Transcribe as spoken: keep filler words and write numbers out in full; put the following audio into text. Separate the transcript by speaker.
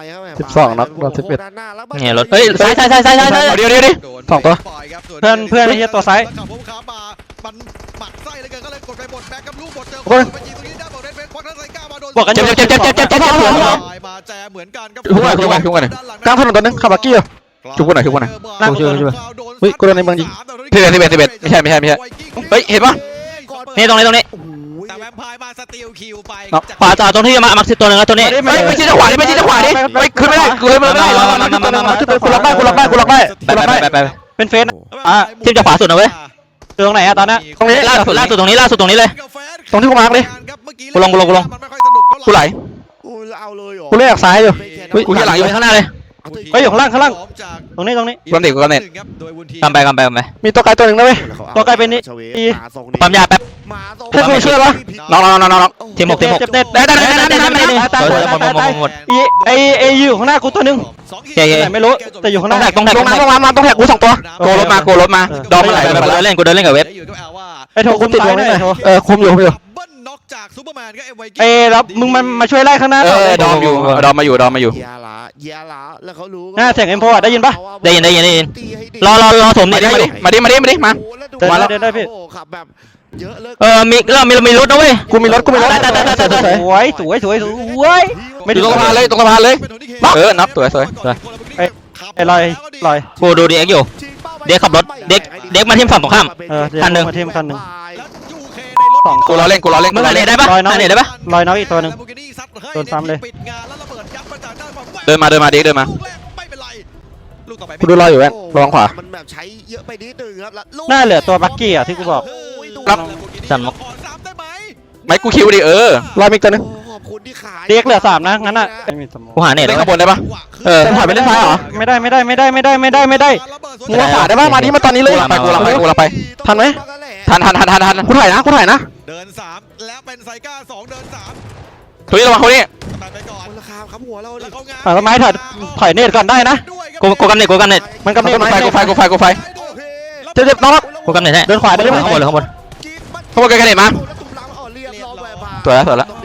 Speaker 1: สิบสองนัดรอบสิบเอ็ด
Speaker 2: เนี่ยรถเฮ้ยซ้ายซ้ายซ้ายซ้ายซ้ายเดี๋ยวเดี๋ยวดิ
Speaker 1: สองตัว
Speaker 3: เพื่อนเพื่อนไอ้เหี้ยตัวซ้าย
Speaker 4: มันหมักไส้เลยเกินก็เลยกดไปบดแบ็กกับลูกบดเจอ
Speaker 1: คน
Speaker 4: ไปยิงตรงนี้ได้บอกเล่นเป็นควักทั้งไซก้ามาโดน
Speaker 3: บวกกัน
Speaker 2: เจ็บเจ็บเจ็บเจ็บเจ็บเจ็บเจ็บเจ็บ
Speaker 4: มาแจเหมือนกันครับ
Speaker 1: ทุกคนทุกคนทุกคนกลางถนนตัวนึงขับบักกี้อยู่ ชุบกูหน่อยชุบกูหน่อย
Speaker 3: นั่ง
Speaker 1: ช่วยช่วยเฮ้ยกูโดนในเมืองยิง
Speaker 2: สิบเอ็ดสิบเอ็ดสิบเอ็ดไม่ใช่ไม่ใช่ไม่ใช่เฮ้ยเห็นปะนี่ตรงนี้ตรงนี้
Speaker 4: แต่แวมไพร์มาสตีลคิวไป
Speaker 2: ขวาจ่าตรงที่มามักสิตัวนึงแล้วตัวนี้ไม่ไม่ใช่ขวาดิไม่ใช่ขวาดิไม่ขึ้นไม่ได้กูเลยไม่ได้มามามามามา
Speaker 1: กูล็อกได้กูล็อกได้กูล็อกได้
Speaker 2: ไปไปไปไป
Speaker 3: เป็นเฟส
Speaker 2: อ่ะทีมจะขวาสุดนะเว้ย
Speaker 3: ตรงไหนอะตอนนี้
Speaker 2: ตรงนี้ล่าสุดล่าสุดตรงนี้ล่าสุดตรงนี้เลย
Speaker 1: ตรงที่กูมาร์กเลย
Speaker 2: กูลงกูลงกูลง กูไหล
Speaker 5: กูเอาเลยเหรอ
Speaker 1: กูเล่นออกซ้ายอยู่
Speaker 2: กูจะหลังอยู่ข้างหน้าเลย
Speaker 3: เฮ้ยอยู่ข้างล่างข้างล่างตรงนี้ตรงนี้
Speaker 2: กูเน็ตกูเน็ตกำไปกำไปกำไป
Speaker 1: มีตัวไกลตัวหนึ่งนะเว้ย
Speaker 3: ตัวไกลเป็นนี่
Speaker 2: ปั๊มยาแป๊บ
Speaker 1: เพื่อนกูเชื่อปะ
Speaker 2: น้องน้องน้องน้องทีมหกทีมหก
Speaker 3: เจ็บเน็ต
Speaker 2: ได้ได้ได้ได้ได้ได้หมดหมดหมดหมด
Speaker 3: อีไอไออยู่ข้างหน้ากูตัวนึง
Speaker 2: เย้เย้
Speaker 3: ไหนไม่รู้แต่อยู่ข้างห
Speaker 2: ต้อง
Speaker 3: น้า
Speaker 2: แท็กต้องแท็ก
Speaker 1: ลงน้ำลงน้ำมาต้องแท็กกูสองตัว
Speaker 2: โกรถมาโกรถมาดอมมาไหลไปเล่นกูเดินเล่นกับเว็บ
Speaker 3: ไอโทรคุมซ้ายหน่อยโทร
Speaker 1: เออคุมอยู่คุมอยู่
Speaker 4: น็อกจากซูเปอร์แมนก็เอ็มไว
Speaker 3: เอ้แล้วมึงมันมาช่วยไล่ข้างหน้า
Speaker 2: เออดอมอยู่ดอมมาอยู่ดอมมาอยู่
Speaker 5: ยาละยาละแล้วเขารู้
Speaker 3: หน้าเสียงเอ็มโฟได้ยินปะ
Speaker 2: ได้ยินได้ยินได้ยินรอรอรอสมเนี่ยมาดิมาดิมาดิมาดิมา
Speaker 5: มาแล้วขับแบบเยอะเลย
Speaker 2: เออมีเรามีเรามีรถนะเว้ย
Speaker 1: กูมีรถกูมีรถ
Speaker 2: ได้ได้ได้ได้ได้
Speaker 3: สวยสวยสวยสวย
Speaker 2: ไม่ตรงสะพานเลยตรงสะพานเลยเออนับสวยสวยสวย
Speaker 3: ไอ้ลอยลอย
Speaker 2: กูดูดีเอ็กอยู่เด็กขับรถเด็กเด็กมาทีมฝั่งตรงข้าม
Speaker 3: เออ
Speaker 2: คันหนึ่ง
Speaker 3: มาทีมคันหนึ่ง
Speaker 4: สอง
Speaker 2: กูรอเล่นกูรอเล่นมึงไหนได้ปะไหนได้ปะ
Speaker 3: ลอยน้องอีกตัวหนึ่ง โดนซ้ำเลย
Speaker 2: เดินมาเดินมาเด็กเดินมา
Speaker 4: ไม่เป็นไรลูกต่อไป
Speaker 1: กูดูรออยู่แว่นระวังขวา
Speaker 5: มันแบบใช้เยอะไปนิดนึงครับแล้ว
Speaker 3: หน้าเหลือตัวบักกี้อ่ะที่กูบอก
Speaker 2: ครับ
Speaker 4: จันมกซ้ำได้ไหม
Speaker 2: ไม่กูคิวดิเออ
Speaker 1: รอมีตัวนึง
Speaker 5: ขอบคุณที่ขาย
Speaker 3: เด็กเหลือสามนะงั้นอ่ะไม่มีสมอง
Speaker 2: กูหาเน็ต
Speaker 1: เล่น
Speaker 2: แล้ว
Speaker 1: ข้างบนได้ปะเออถอยไปเล่นซ้ายเหรอ
Speaker 3: ไม่ได้ไม่ได้ไม่ได้ไม่ได้ไม่ได้ไม่ได้
Speaker 1: มึงมาขวาได้ปะมาดิมาตอนนี้เลย
Speaker 2: ไปกูเราไปกูเราไป
Speaker 1: ทันไหม
Speaker 2: ทันทันทันทันทัน
Speaker 1: กูถ่ายนะกูถ่ายนะ
Speaker 4: เดินสามแล้วเป็นไซก้าสองเดินสาม
Speaker 2: ทุยระวังเขานี่
Speaker 4: ตัดไปก่อน
Speaker 5: ราคาครับหัวเรา
Speaker 4: แล้วเขางาน
Speaker 3: ถอยต้นไม้ถอยถอยเนตก่อนได้นะ
Speaker 2: กูกูกำเน็ตกูกำเน็ต
Speaker 3: มันกำเนิด
Speaker 2: กูไฟกูไฟกูไฟกูไฟ
Speaker 1: เจ็บเจ็บน้อง
Speaker 2: กูกำเน็ตให้
Speaker 3: เดินขวาได้ไหม
Speaker 2: ข้างบนเลยข้างบน
Speaker 5: กิน
Speaker 2: ข้างบนใกล้ๆเน็ตมา
Speaker 5: แล้วตุ้มล้างอ่อนเรียบร้อย
Speaker 2: สวยแล้วสวยแล้ว